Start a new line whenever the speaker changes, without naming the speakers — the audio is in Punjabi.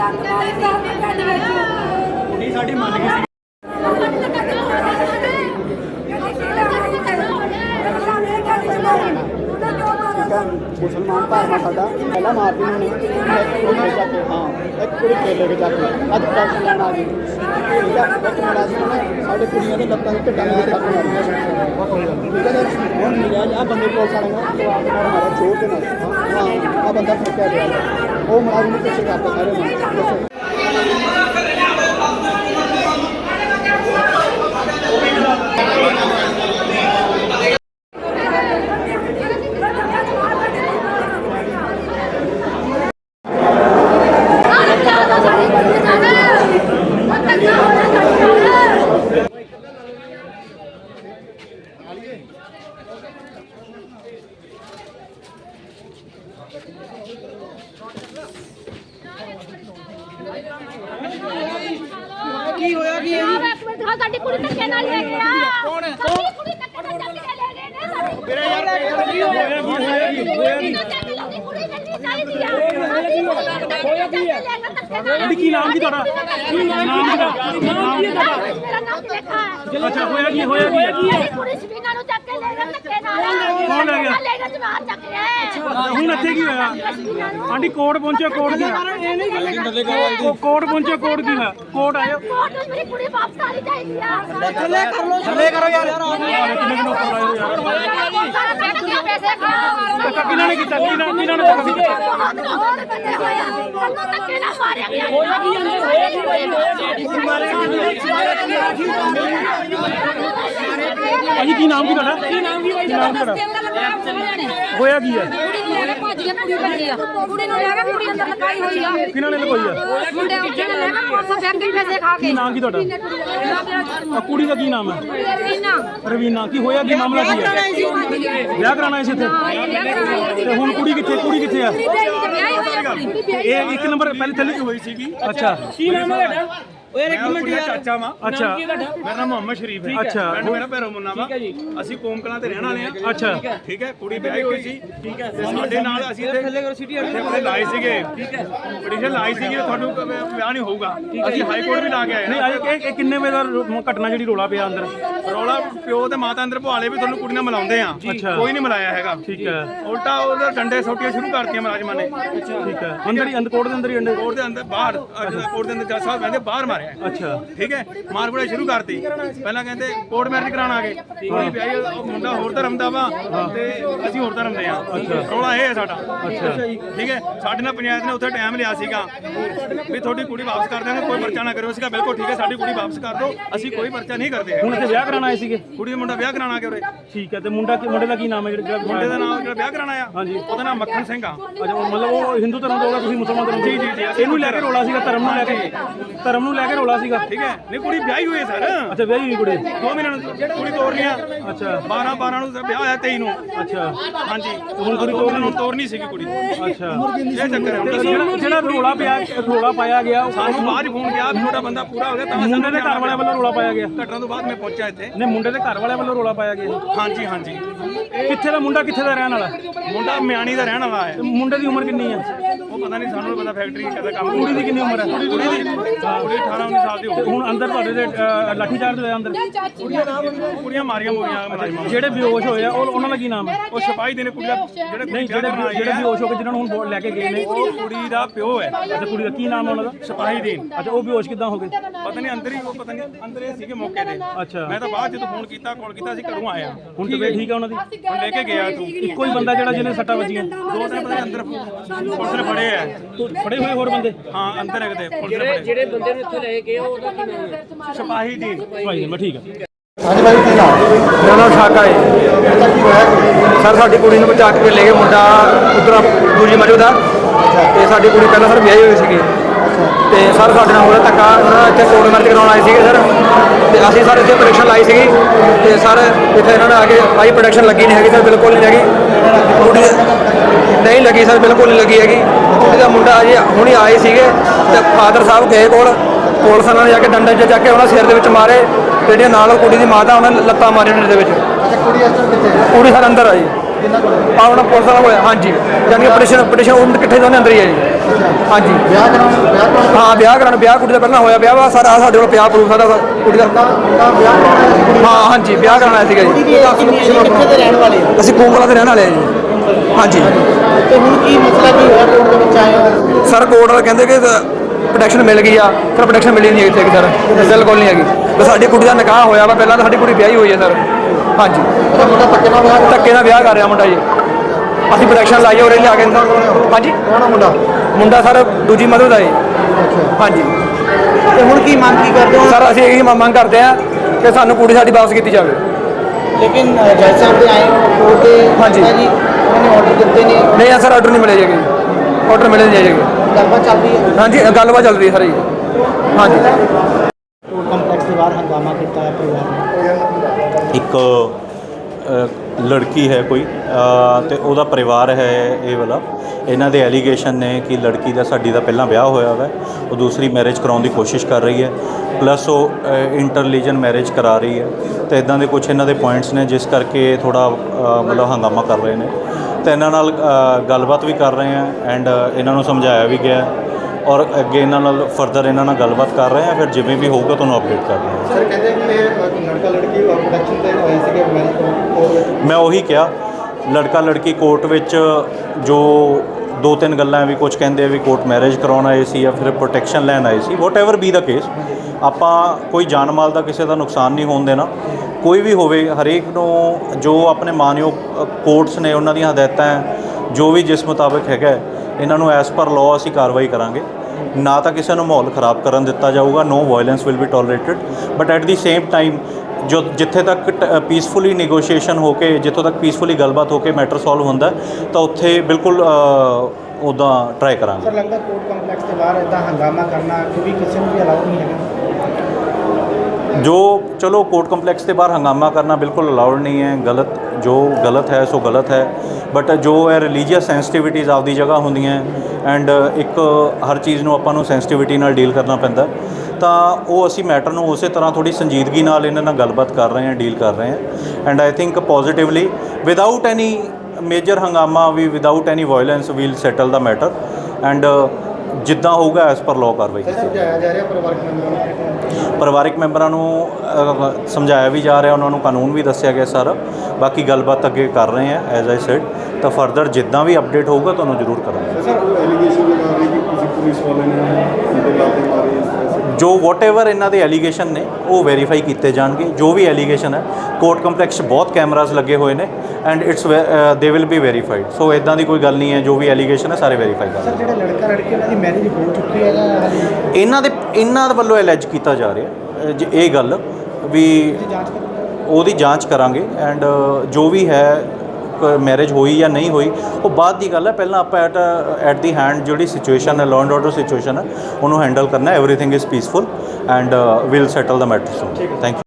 ਕੁੜੀ ਸਾਡੀ ਮੰਨ ਗਈ ਸੀ।
मुसलमान धर्म साडा पहला मारती ने कुड़ी जाके हाँ एक कुड़ी खेल लेके जाके अज प्रोटेक्शन लैन आ गई ठीक है। एक मुलाजिम ने साढ़े कुड़ियों के लत्तां ते ढंग से तक मारी ठीक है। हुण मिलिया आ बंदे पुलिस वाले ने जवाब मारा जोर के नाल हाँ आ बंदा फड़किया गया वो मुलाजिम पीछे करते सारे
ਕੀ ਹੋਇਆ ਕੀ ਹੈ
ਜੀ ਸਾਡੀ ਕੁੜੀ ਧੱਕੇ ਨਾਲ ਲੈ ਗਿਆ ਕੌਣ ਹੈ ਸਾਡੀ ਕੁੜੀ ਧੱਕੇ ਨਾਲ ਚੱਕ ਕੇ ਲੈ ਗਏ ਨੇ ਸਾਡੀ
ਮੇਰੇ ਯਾਰ ਕੀ ਹੋਇਆ
ਕੁੜੀ ਮੈਨੂੰ ਚਾਹੀਦੀ ਆ ਹੋਇਆ ਕੀ ਹੈ
ਕੀ ਨਾਮ ਕੀ ਤੁਹਾਡਾ ਨਾਮ ਕੀ ਤੁਹਾਡਾ
ਮੇਰਾ ਨਾਮ ਦੇਖਾ
ਅੱਛਾ ਹੋਇਆ ਕੀ
ਕੁੜੀ ਸਬੀਨਾ ਨੂੰ ਚੱਕ ਕੇ ਲੈ ਗਏ ਧੱਕੇ ਨਾਲ
ਕੌਣ ਲੈ ਗਿਆ
ਲੈ ਗਏ ਜਵਾਨ ਚੱਕ ਕੇ
ਹੁਣ ਇੱਥੇ ਕੀ ਹੋਇਆ ਆਂਟੀ ਕੋਰਟ ਪਹੁੰਚਿਆ ਕੋਰਟ ਕੀ ਕੋਰਟ ਪਹੁੰਚਿਆ ਕੋਰਟ ਕੀ ਹੈ ਕੋਰਟ ਆਇਆ
ਕੋਰਟ ਵਿੱਚ ਮੇਰੀ ਕੁੜੀ ਵਾਪਸ ਆਣੀ ਚਾਹੀਦੀ ਆ
ਥੱਲੇ ਕਰੋ ਯਾਰ
ਪੈਸੇ ਖਾਓ
ਕਿਹਨਾਂ ਨੇ ਕੀਤਾ ਕਿਹਨਾਂ ਨੇ
ਹੋਰ ਬੰਦੇ ਹੋਇਆ ਧੱਕੇ ਨਾਲ ਮਾਰਿਆ ਗਿਆ ਹੋਇਆ ਕੀ ਅੰਦਰ
ਭਾਜੀ ਕੀ ਨਾਮ ਕੀ ਤੁਹਾਡਾ ਹੋਇਆ ਕੀ ਹੈ
ਕੁੜੀ ਨੂੰ ਲੈ ਕੇ ਕੁੜੀ ਅੰਦਰ ਲਗਾਈ ਹੋਈ ਆ
ਕਿਹਨਾਂ ਨੇ ਲਗਾਈ ਆ
ਮੁੰਡੇ ਉੱਥੇ ਲੈ ਕੇ ਪਰਸੋਂ ਬੈਂਕ ਦੇ ਪੈਸੇ ਖਾ ਕੇ
ਕੀ ਨਾਮ ਕੀ ਤੁਹਾਡਾ ਕੁੜੀ ਦਾ ਕੀ ਨਾਮ ਹੈ
ਰਵੀਨਾ
ਰਵੀਨਾ ਕੀ ਹੋਇਆ ਕੀ ਮਾਮਲਾ ਕੀ ਹੈ ਵਿਆਹ ਕਰਾਉਣਾ ਸੀ ਇੱਥੇ ਤੇ ਹੁਣ ਕੁੜੀ ਕਿੱਥੇ ਆ ਇਹ ਇੱਕ ਨੰਬਰ ਪਹਿਲੇ ਥੱਲੇ ਹੋਈ ਸੀਗੀ ਅੱਛਾ
ਕੀ ਨਾਮ ਹੈ ਤੁਹਾਡਾ ਓਏ ਇੱਕ ਮਿੰਟ ਯਾਰ
ਚਾਚਾ ਵਾ ਅੱਛਾ
ਮੇਰਾ ਨਾਮ ਮੁਹੰਮਦ ਸ਼ਰੀਫ ਹੈ
ਅੱਛਾ
ਮੇਰਾ ਭੈਰੋ ਮੁੰਨਾ ਵਾ ਅਸੀਂ ਕੋਮ ਕਲਾਂ ਤੇ ਰਹਿਣ ਵਾਲੇ ਆ
ਅੱਛਾ
ਠੀਕ ਹੈ ਕੁੜੀ ਵਿਆਹੀ ਹੋਈ ਸੀ ਠੀਕ ਹੈ ਤੇ ਸਾਡੇ ਨਾਲ ਅਸੀਂ ਇੱਥੇ
ਥੱਲੇ ਕਰੋ ਸਿਟੀ
ਇੱਥੇ ਲਾਏ ਸੀਗੇ ਠੀਕ ਹੈ ਪਟੀਸ਼ਨ ਲਾਈ ਸੀਗੀ ਤੁਹਾਨੂੰ ਵਿਆਹ ਨਹੀਂ ਹੋਊਗਾ ਅਸੀਂ ਹਾਈ ਕੋਰਟ ਵੀ ਲਾ ਕੇ ਆਏ
ਨਹੀਂ ਇਹ ਕਿੰਨੇ ਵਜੇ ਦਾ ਘਟਨਾ ਜਿਹੜੀ ਰੋਲਾ ਪਿਆ ਅੰਦਰ
ਰੌਲਾ ਪਿਓ ਤੇ ਮਾਤਾ ਅੰਦਰ ਭਵਾਲੇ ਵੀ ਤੁਹਾਨੂੰ ਕੁੜੀ ਨਾਲ ਮਿਲਾਉਂਦੇ ਆ ਕੋਈ ਨਹੀਂ ਮਿਲਾਇਆ ਹੈਗਾ
ਠੀਕ ਹੈ
ਉਲਟਾ ਉਹਦਾ ਡੰਡੇ ਸੋਟੀਆਂ ਸ਼ੁਰੂ ਕਰਤੀਆਂ ਮੁਲਾਜ਼ਮਾਂ ਨੇ
ਠੀਕ ਹੈ ਅੰਦਰ ਹੀ ਕੋਰਟ ਦੇ ਅੰਦਰ ਹੀ ਅੰਡੇ
ਕੋਰਟ ਦੇ ਅੰਦਰ ਬਾਹਰ ਕੋਰਟ ਦੇ ਅੰਦਰ ਜੱਜ ਸਾਹਿਬ ਕਹਿੰਦੇ ਬਾਹਰ ਮਾਰਿਆ
ਅੱਛਾ
ਠੀਕ ਹੈ ਮਾਰਕੁੜਾ ਸ਼ੁਰੂ ਕਰਤੀ ਪਹਿਲਾਂ ਕਹਿੰਦੇ ਕੋਰਟ ਮੈਰਿਜ ਕਰਾਉਣ ਆ ਗਏ ਕੁੜੀ ਵਿਆਹੀ ਉਹ ਮੁੰਡਾ ਹੋਰ ਧਰਮ ਦਾ ਵਾ ਤੇ ਅਸੀਂ ਹੋਰ ਧਰਮ ਦੇ ਆ ਰੌਲਾ ਇਹ ਹੈ ਸਾਡਾ ਠੀਕ ਹੈ ਸਾਡੇ ਨਾਲ ਪੰਚਾਇਤ ਨੇ ਉੱਥੇ ਟਾਈਮ ਲਿਆ ਸੀਗਾ ਵੀ ਤੁਹਾਡੀ ਕੁੜੀ ਵਾਪਸ ਕਰ ਦਿਆਂਗੇ ਕੋਈ ਪਰਚਾ ਨਾ ਕਰਿਓ ਸੀਗਾ ਬਿਲਕੁਲ ਠੀਕ ਹੈ ਸਾਡੀ ਕੁੜੀ ਵਾਪਸ ਕਰ ਦਿਓ ਅਸੀਂ ਕੋਈ ਪਰਚਾ ਨਹੀਂ ਕਰਦੇ
ਹੁਣ ਇੱਥੇ ਵਿਆਹ ਕਰਾਉਣ ਆਏ ਸੀਗੇ
ਕੁੜੀ ਦਾ ਮੁੰਡਾ ਵਿਆਹ ਕਰਾਉਣ ਆ ਗਿਆ ਉਰੇ
ਠੀਕ ਹੈ ਤੇ ਮੁੰਡੇ ਦਾ ਕੀ ਨਾਮ ਹੈ ਜਿਹੜਾ
ਮੁੰਡੇ ਦਾ ਨਾਮ ਜਿਹੜਾ ਵਿਆਹ ਕਰਾਉਣਾ ਆ
ਹਾਂਜੀ
ਉਹਦਾ ਨਾਮ ਮੱਖਣ ਸਿੰਘ ਆ
ਅੱਛਾ ਮਤਲਬ ਉਹ ਹਿੰਦੂ ਧਰਮ ਦਾ ਹੋਗਾ ਤੁਸੀਂ ਮੁਸਲਮਾਨ ਧਰਮ
ਜੀ
ਇਹਨੂੰ ਲੈ ਕੇ ਰੋਲਾ ਸੀਗਾ ਧਰਮ ਨੂੰ ਲੈ ਕੇ ਰੋਲਾ ਸੀਗਾ
ਠੀਕ ਹੈ ਨਹੀਂ ਕੁੜੀ ਵਿਆਹੀ ਹੋਈ ਹੈ ਸਰ
ਅੱਛਾ ਵਿਆਹੀ ਹੋਈ ਕੁੜੀ
2 ਮਹੀਨਿਆਂ ਨੂੰ ਕੁੜੀ ਤੋਰਨੀ ਆ
ਅੱਛਾ
12 ਨੂੰ ਵਿਆਹ ਹੋਇਆ 23 ਨੂੰ
ਅੱਛਾ
ਹਾਂਜੀ ਹੁਣ ਕੁੜੀ ਤੋਰਨੀ ਸੀਗੀ ਕੁੜੀ
ਅੱਛਾ
ਇਹ ਚੱਕਰ ਹੈ
ਜਿਹੜਾ ਰੋਲਾ ਪਾਇਆ ਗਿਆ
ਸਾਨੂੰ ਬਾਅਦ ਫੋਨ ਗਿਆ ਵੀ ਤੁਹਾਡਾ ਬੰਦਾ ਪੂਰਾ ਹੋ ਗਿਆ ਤਾਂ
ਮੁੰਡੇ ਦੇ ਘਰ ਵਾਲਿਆਂ ਵੱਲੋਂ ਰੋਲਾ ਪਾਇਆ ਗਿਆ
ਘਟਨਾ ਤੋਂ ਬਾਅਦ ਮੈਂ ਪਹੁੰਚਿਆ ਇੱਥੇ
ਨਹੀਂ ਮੁੰਡੇ ਦੇ ਘਰ ਵਾਲਿਆਂ ਵੱਲੋਂ ਰੋਲਾ ਪਾਇਆ ਗਿਆ
ਹਾਂਜੀ ਹਾਂਜੀ
ਕਿੱਥੇ ਦਾ ਮੁੰਡਾ ਕਿੱਥੇ ਦਾ ਰਹਿਣ ਵਾਲਾ
ਮੁੰਡਾ ਮਿਆਣੀ ਦਾ ਰਹਿਣ ਵਾਲਾ ਹੈ
ਮੁੰਡੇ ਦੀ ਉਮਰ ਕਿੰਨੀ ਹੈ
ਉਹ ਪਤਾ ਨਹੀਂ ਸਾਨੂੰ ਪਤਾ ਫੈਕਟਰੀ ਕਿਹਦਾ ਕੰਮ
ਕੁੜੀ ਦੀ ਕਿੰਨੀ ਉਮਰ ਹੈ
ਕੁੜੀ ਦੀ ਕੁੜੀ 18 19 ਸਾਲ ਦੀ ਹੋ
ਹੁਣ ਅੰਦਰ ਤੁਹਾਡੇ ਦੇ ਲਾਠੀ ਚਾਰਜ ਹੋਇਆ ਅੰਦਰ
ਕੁੜੀਆਂ ਮਾਰੀਆਂ ਮੁਲਾਜ਼ਮਾਂ
ਜਿਹੜੇ ਬੇਹੋਸ਼ ਹੋਏ ਆ ਉਹਨਾਂ ਦਾ ਕੀ ਨਾਮ ਹੈ
ਉਹ ਸਿਪਾਹੀ ਦੇ ਨੇ ਕੁੜੀਆਂ
ਜਿਹੜੇ ਬੇਹੋਸ਼ ਹੋ ਕੇ ਜਿਹਨਾਂ ਨੂੰ ਹੁਣ ਲੈ ਕੇ ਗਏ ਨੇ
ਉਹ ਕੁੜੀ ਦਾ ਪਿਓ ਹੈ
ਅੱਛਾ ਕੁੜੀ ਦਾ ਕੀ ਨਾਮ ਹੈ ਉਹਨਾਂ ਦਾ
ਸਿਪਾਹੀ ਦੇਨ
ਅੱਛਾ ਉਹ ਬੇਹੋਸ਼ ਕਿੱਦਾਂ ਹੋ ਗਏ
ਪਤਾ ਨਹੀਂ ਅੰਦਰ ਹੀ ਉਹ ਪਤਾ ਨਹੀਂ ਅੰਦਰ ਇਹ ਸੀਗੇ ਮੌਕੇ ਤੇ
ਅੱਛਾ
ਮੈਂ ਤਾਂ ਬਾਅਦ ਜਦੋਂ ਫੋਨ ਕੀਤਾ ਕਾਲ ਕੀਤਾ ਅਸੀਂ ਘਰੋਂ ਆਇਆ
ਹੁਣ ਤਬੀਅਤ ਠੀਕ ਹੈ ਉਹਨਾਂ ਦੀ
ਹੁਣ ਲੈ ਕੇ ਗਿਆ ਤੂੰ
ਇੱਕੋ ਹੀ ਬੰਦਾ ਜਿਹੜਾ ਜਿਹਨੇ ਸੱਟਾਂ ਵੱਜੀਆਂ
2-3 ਬੰਦੇ ਅੰਦਰ ਪੁਲਿਸ ਨੇ ਫੜੇ ਆ
ਫੜੇ ਹੋਏ ਹੋਰ ਬੰਦੇ
ਹਾਂ ਅੰਦਰ ਹੈਗੇ ਪੁਲਿਸ ਨੇ ਫੜੇ
ਜਿਹੜੇ ਬੰਦੇ ਨੂੰ ਇੱਥੇ ਲੈ ਕੇ ਉਹਦਾ ਕੀ ਨਾਮ ਹੈ
ਸਿਪਾਹੀ ਦੇਨ
ਭਾਈ ਮੈਂ ਠੀਕ ਹੈ
ਹਾਂਜੀ ਭਾਈ ਕੀ ਨਾਮ
ਮੇਰਾ ਨਾਮ ਸਾਕਾ ਹੈ
ਕੀ ਹੋਇਆ
ਸਰ ਸਾਡੀ ਕੁੜੀ ਨੂੰ ਬਚਾ ਕੇ ਲੈ ਗਏ ਮੁੰਡਾ ਉਧਰ ਦੂਜੀ ਮਜੂ ਦਾ ਤੇ ਸਾਡੀ ਕੁੜੀ ਪਹਿਲਾਂ ਸਰ ਵਿਆਹੀ ਹੋਈ ਸੀਗੀ ਤੇ ਸਰ ਸਾਡੇ ਨਾਲ ਹੋਇਆ ਧੱਕਾ ਉਹਨਾਂ ਇੱਥੇ ਕੋਰਟ ਮੈਰਿਜ ਕਰਾਉਣ ਆਏ ਸੀਗੇ ਸਰ ਤੇ ਅਸੀਂ ਸਰ ਇੱਥੇ ਪ੍ਰੋਡਕਸ਼ਨ ਲਾਈ ਸੀਗੀ ਤੇ ਸਰ ਇੱਥੇ ਇਹਨਾਂ ਨੇ ਆ ਕੇ ਭਾਈ ਪ੍ਰੋਡਕਸ਼ਨ ਲੱਗੀ ਨਹੀਂ ਹੈਗੀ ਸਰ ਬਿਲਕੁਲ ਨਹੀਂ ਹੈਗੀ ਕੁੜੀ ਨਹੀਂ ਲੱਗੀ ਸਰ ਬਿਲਕੁਲ ਨਹੀਂ ਲੱਗੀ ਹੈਗੀ ਕੁੜੀ ਦਾ ਮੁੰਡਾ ਅਜੇ ਹੁਣੀ ਆਏ ਸੀਗੇ ਤੇ ਫਾਦਰ ਸਾਹਿਬ ਗਏ ਕੋਲ ਪੁਲਿਸ ਵਾਲਿਆਂ ਨੇ ਜਾ ਕੇ ਡੰਡੇ 'ਚ ਚੱਕ ਕੇ ਉਹਨਾਂ ਸਿਰ ਦੇ ਵਿੱਚ ਮਾਰੇ ਜਿਹੜੀਆਂ ਨਾਲ ਕੁੜੀ ਦੀ ਮਾਤਾ ਉਹਨਾਂ ਨੇ ਲੱਤਾਂ ਮਾਰੀਆਂ ਢਿੱਡ ਦੇ ਵਿੱਚ
ਕੁੜੀ ਅਸਲ ਕਿੱਥੇ
ਕੁੜੀ ਸਰ ਅੰਦਰ ਆ ਜੀ
ਕਿੰਨਾ ਕੋਲ
ਆ ਉਹਨਾਂ ਪੁਲਿਸ ਵਾਲਾ ਕੋਲ ਹਾਂਜੀ ਜਾਨੀ ਪਟੀਸ਼ਨ ਉਹ ਕਿੱਥੇ ਦੋਨੇ ਅੰਦਰ ਹੀ ਆ ਜੀ ਹਾਂਜੀ
ਵਿਆਹ ਕਰਾਉਣਾ
ਹਾਂ ਵਿਆਹ ਕੁੜੀ ਦਾ ਪਹਿਲਾਂ ਹੋਇਆ ਵਿਆਹ ਵਾ ਸਾਰਾ ਸਾਡੇ ਕੋਲ ਪਿਆ ਪ੍ਰੂਫ ਸਾਡਾ ਕੁੜੀ ਦਾ
ਵਿਆਹ ਕਰਾਉਣਾ ਸੀ ਕੁੜੀ
ਹਾਂ ਹਾਂਜੀ ਵਿਆਹ ਕਰਾਉਣਾ ਸੀਗਾ
ਕੁੜੀ
ਜੀ
ਦੀ age ਕਿੰਨੀ ਹੈ ਜੀ? ਕਿੱਥੇ ਦੇ ਰਹਿਣ ਵਾਲੇ ਹੋ?
ਅਸੀਂ ਕੋਂਗਲਾ ਦੇ ਰਹਿਣ ਵਾਲੇ ਆ ਜੀ ਹਾਂਜੀ
ਤੇ ਹੁਣ ਕੀ ਮਸਲਾ ਕੀ ਹੋਇਆ ਕੋਰਟ ਦੇ ਵਿੱਚ ਆਏ ਹੋ?
ਸਰ ਕੋਰਟ ਵਾਲੇ ਕਹਿੰਦੇ ਕਿ ਪ੍ਰੋਟੈਕਸ਼ਨ ਮਿਲ ਗਈ ਆ ਸਰ ਪ੍ਰੋਟੈਕਸ਼ਨ ਮਿਲੀ ਨਹੀਂ ਇੱਥੇ ਸਰ ਬਿਲਕੁਲ ਨਹੀਂ ਹੈਗੀ ਤੇ ਸਾਡੀ ਕੁੜੀ ਦਾ ਨਿਕਾਹ ਹੋਇਆ ਵਾ ਪਹਿਲਾਂ ਤਾਂ ਸਾਡੀ ਕੁੜੀ ਵਿਆਹੀ ਹੋਈ ਹੈ ਸਰ ਹਾਂਜੀ
ਉਹਦਾ ਮੁੰਡਾ ਧੱਕੇ ਨਾਲ ਵਿਆਹ
ਧੱਕੇ ਨਾਲ ਵਿਆਹ ਕਰ ਰਿਹਾ ਮੁੰਡਾ ਜੀ ਅਸੀਂ ਪ੍ਰੋਟੈਕਸ਼ਨ ਲਾਈ ਉਰੇ ਲਿਆ ਕੇ ਹਾਂਜੀ
ਕੌਣ ਆ ਮੁੰਡਾ?
ਮੁੰਡਾ ਸਰ ਦੂਜੀ ਮਦਰ ਦਾ ਜੀ ਹਾਂਜੀ
ਤੇ ਹੁਣ ਕੀ ਮੰਗ ਕੀ ਕਰਦੇ ਹੋ?
ਸਰ ਅਸੀਂ ਇਹੀ ਮੰਗ ਕਰਦੇ ਆ ਕਿ ਸਾਨੂੰ ਕੁੜੀ ਸਾਡੀ ਵਾਪਸ ਕੀਤੀ ਜਾਵੇ
ਲੇਕਿਨ ਜੱਜ ਸਾਹਿਬ ਦੇ ਆਏ ਹੋ ਕੋਰਟ ਦੇ
ਹਾਂਜੀ।
ਜੀ ਉਹਨਾਂ ਨੇ ਆਰਡਰ ਦਿੱਤੇ ਨੇ,
ਨਹੀਂ ਸਰ ਆਰਡਰ ਨਹੀਂ ਮਿਲਿਆ ਜਾਏਗਾ ਆਰਡਰ ਮਿਲੇ ਨਹੀਂ ਜਾਏਗਾ
ਗੱਲਬਾਤ ਚੱਲ ਰਹੀ ਹੈ।
ਹਾਂਜੀ ਗੱਲਬਾਤ ਚੱਲ ਰਹੀ ਹੈ ਸਰ ਜੀ ਹਾਂਜੀ
ਕੋਰਟ ਕੰਪਲੈਕਸ ਦੇ ਬਾਹਰ ਹੰਗਾਮਾ ਕੀਤਾ ਹੈ ਪਰਿਵਾਰ ਨੇ।
ਇੱਕ ਲੜਕੀ ਹੈ ਕੋਈ ਤੇ ਉਹਦਾ ਪਰਿਵਾਰ ਹੈ ਇਹ ਵਾਲਾ ਇਹਨਾਂ ਦੇ ਐਲੀਗੇਸ਼ਨ ਨੇ ਕਿ ਲੜਕੀ ਦਾ ਸਾਡੀ ਦਾ ਪਹਿਲਾਂ ਵਿਆਹ ਹੋਇਆ ਵਾ ਉਹ ਦੂਸਰੀ ਮੈਰਿਜ ਕਰਾਉਣ ਦੀ ਕੋਸ਼ਿਸ਼ ਕਰ ਰਹੀ ਹੈ ਪਲੱਸ ਉਹ ਇੰਟਰਲੀਜਨ ਮੈਰਿਜ ਕਰਾ ਰਹੀ ਹੈ ਤੇ ਇਦਾਂ ਦੇ ਕੁਝ ਇਹਨਾਂ ਦੇ ਪੁਆਇੰਟਸ ਨੇ ਜਿਸ ਕਰਕੇ ਥੋੜਾ ਮਤਲਬ ਹੰਗਾਮਾ ਕਰ ਰਹੇ ਨੇ ਤੇ ਇਹਨਾਂ ਨਾਲ ਗੱਲਬਾਤ ਵੀ ਕਰ ਰਹੇ ਆ ਐਂਡ ਇਹਨਾਂ ਨੂੰ ਸਮਝਾਇਆ ਵੀ ਗਿਆ ਔਰ ਅੱਗੇ ਇਹਨਾਂ ਨਾਲ ਫਰਦਰ ਇਹਨਾਂ ਨਾਲ ਗੱਲਬਾਤ ਕਰ ਰਹੇ ਆ ਫਿਰ ਜਿਵੇਂ ਵੀ ਹੋਊਗਾ ਤੁਹਾਨੂੰ ਅਪਡੇਟ ਕਰ ਰਹੇ
ਸਰ ਕਹਿੰਦੇ ਕਿ ਇਹ ਲੜਕਾ ਲੜਕੀ ਪ੍ਰੋਡਕਸ਼ਨ ਤੇ ਹੋਏ ਸੀਗੇ ਮੈਰਿਜ ਕੋਰਟ ਵਿੱਚ।
ਮੈਂ ਉਹੀ ਕਿਹਾ ਲੜਕਾ ਲੜਕੀ ਕੋਰਟ ਵਿੱਚ ਜੋ ਦੋ ਤਿੰਨ ਗੱਲਾਂ ਵੀ ਕੁਝ ਕਹਿੰਦੇ ਆ ਵੀ ਕੋਰਟ ਮੈਰਿਜ ਕਰਾਉਣ ਆਏ ਸੀ ਜਾਂ ਫਿਰ ਪ੍ਰੋਟੈਕਸ਼ਨ ਲੈਣ ਆਏ ਸੀ whatever be the case ਆਪਾਂ ਕੋਈ ਜਾਨ ਮਾਲ ਦਾ ਕਿਸੇ ਦਾ ਨੁਕਸਾਨ ਨਹੀਂ ਹੋਣ ਦੇਣਾ ਕੋਈ ਵੀ ਹੋਵੇ ਹਰੇਕ ਨੂੰ ਜੋ ਆਪਣੇ ਮਾਨਯੋਗ ਕੋਰਟਸ ਨੇ ਉਹਨਾਂ ਦੀਆਂ ਹਦਾਇਤਾਂ ਹੈ ਜੋ ਵੀ ਜਿਸ ਮੁਤਾਬਕ ਹੈਗਾ ਇਹਨਾਂ ਨੂੰ ਐਸ ਪਰ ਲਾਅ ਅਸੀਂ ਕਾਰਵਾਈ ਕਰਾਂਗੇ ਨਾ ਤਾਂ ਕਿਸੇ ਨੂੰ ਮਾਹੌਲ ਖਰਾਬ ਕਰਨ ਦਿੱਤਾ ਜਾਊਗਾ no violence will be tolerated but at the same time ਜੋ ਜਿੱਥੇ ਤੱਕ ਪੀਸਫੁਲੀ ਨੈਗੋਸ਼ੀਏਸ਼ਨ ਹੋ ਕੇ ਜਿੱਥੋਂ ਤੱਕ ਪੀਸਫੁਲੀ ਗੱਲਬਾਤ ਹੋ ਕੇ ਮੈਟਰ ਸੋਲਵ ਹੁੰਦਾ ਤਾਂ ਉੱਥੇ ਬਿਲਕੁਲ ਉੱਦਾਂ ਟਰਾਈ ਕਰਾਂਗੇ
ਸਰ ਲੱਗਦਾ ਕੋਰਟ ਕੰਪਲੈਕਸ ਦੇ ਬਾਹਰ ਇਦਾਂ ਹੰਗਾਮਾ ਕਰਨਾ ਕਿਉਂਕਿ ਕਿਸੇ ਨੂੰ ਵੀ ਅਲਾਉਡ ਨਹੀਂ ਹੈਗਾ।
ਜੋ ਚਲੋ ਕੋਰਟ ਕੰਪਲੈਕਸ ਦੇ ਬਾਹਰ ਹੰਗਾਮਾ ਕਰਨਾ ਬਿਲਕੁਲ ਅਲਾਉਡ ਨਹੀਂ ਹੈ ਗਲਤ ਜੋ ਗਲਤ ਹੈ ਸੋ ਗਲਤ ਹੈ ਬਟ ਜੋ ਹੈ ਰਿਲੀਜੀਅਸ ਸੈਂਸਿਟੀਵਿਟੀਜ਼ ਆਪਦੀ ਜਗ੍ਹਾ ਹੁੰਦੀਆਂ ਐਂਡ ਇੱਕ ਹਰ ਚੀਜ਼ ਨੂੰ ਆਪਾਂ ਨੂੰ ਸੈਂਸਿਟੀਵਿਟੀ ਨਾਲ ਡੀਲ ਕਰਨਾ ਪੈਂਦਾ ਤਾਂ ਉਹ ਅਸੀਂ ਮੈਟਰ ਨੂੰ ਉਸੇ ਤਰ੍ਹਾਂ ਥੋੜੀ ਸੰਜੀਦਗੀ ਨਾਲ ਇਹਨਾਂ ਨਾਲ ਗੱਲਬਾਤ ਕਰ ਰਹੇ ਹਾਂ ਡੀਲ ਕਰ ਰਹੇ ਹਾਂ and I think positively without any major ਹੰਗਾਮਾ we without any violence we'll settle the matter and ਜਿੱਦਾਂ ਹੋਊਗਾ ਐਸ ਪਰ ਲਾਅ ਕਾਰਵਾਈ ਕੀਤੀ
ਸਮਝਾਇਆ ਜਾ ਰਿਹਾ ਪਰਿਵਾਰਕ ਮੈਂਬਰਾਂ ਨੂੰ
ਪਰਿਵਾਰਿਕ ਮੈਂਬਰਾਂ ਨੂੰ ਸਮਝਾਇਆ ਵੀ ਜਾ ਰਿਹਾ ਉਹਨਾਂ ਨੂੰ ਕਾਨੂੰਨ ਵੀ ਦੱਸਿਆ ਗਿਆ ਸਾਰਾ ਬਾਕੀ ਗੱਲਬਾਤ ਅੱਗੇ ਕਰ ਰਹੇ ਹਾਂ ਐਜ਼ ਆਈ ਸੈਡ ਤਾਂ ਫਰਦਰ ਜਿੱਦਾਂ ਵੀ ਅਪਡੇਟ ਹੋਊਗਾ ਤੁਹਾਨੂੰ ਜ਼ਰੂਰ ਕਰਾਂਗੇ
ਸਰ ਐਲੀਗੇਸ਼ਨ ਲਗਾ ਰਹੇ ਕਿ ਕਿਸੇ ਪੁਲਿਸ ਵਾਲੇ ਨੇ ਇਹਦੇ ਲਾਤੇ ਮਾਰੇ ਇਸ ਤਰ੍ਹਾਂ ਸੇ
ਜੋ ਵਾਟ ਐਵਰ ਇਹਨਾਂ ਦੇ ਐਲੀਗੇਸ਼ਨ ਨੇ ਉਹ ਵੈਰੀਫਾਈ ਕੀਤੇ ਜਾਣਗੇ ਜੋ ਵੀ ਐਲੀਗੇਸ਼ਨ ਹੈ ਕੋਰਟ ਕੰਪਲੈਕਸ 'ਚ ਬਹੁਤ ਕੈਮਰਾਜ਼ ਲੱਗੇ ਹੋਏ ਨੇ and it's they will be verified so ਇਦਾਂ ਦੀ ਕੋਈ ਗੱਲ ਨਹੀਂ ਹੈ ਜੋ ਵੀ ਐਲੀਗੇਸ਼ਨ ਹੈ ਸਾਰੇ ਵੈਰੀਫਾਈ ਕਰ
ਸਰ ਜਿਹੜਾ ਲੜਕਾ ਲੜਕੀ ਉਹਨਾਂ ਦੀ ਮੈਰਿਜ ਹੋ ਚੁੱਕੀ ਹੈ ਜਾਂ
ਇਹਨਾਂ ਦੇ ਵੱਲੋਂ ਐਲੈਜ ਕੀਤਾ ਜਾ ਰਿਹਾ ਜੇ ਇਹ ਗੱਲ ਵੀ
ਜਾਂਚ ਕਰੋ?
ਉਹਦੀ ਜਾਂਚ ਕਰਾਂਗੇ ਐਂਡ ਜੋ ਵੀ ਹੈ ਮੈਰਿਜ ਹੋਈ ਜਾਂ ਨਹੀਂ ਹੋਈ ਉਹ ਬਾਅਦ ਦੀ ਗੱਲ ਹੈ ਪਹਿਲਾਂ ਆਪਾਂ ਐਟ ਦੀ ਹੈਂਡ ਜਿਹੜੀ ਸਿਚੁਏਸ਼ਨ ਹੈ ਲਾਅ ਐਂਡ ਆਰਡਰ ਸਿਚੁਏਸ਼ਨ ਹੈ ਉਹਨੂੰ ਹੈਂਡਲ ਕਰਨਾ everything is peaceful and will settle the matter soon thank you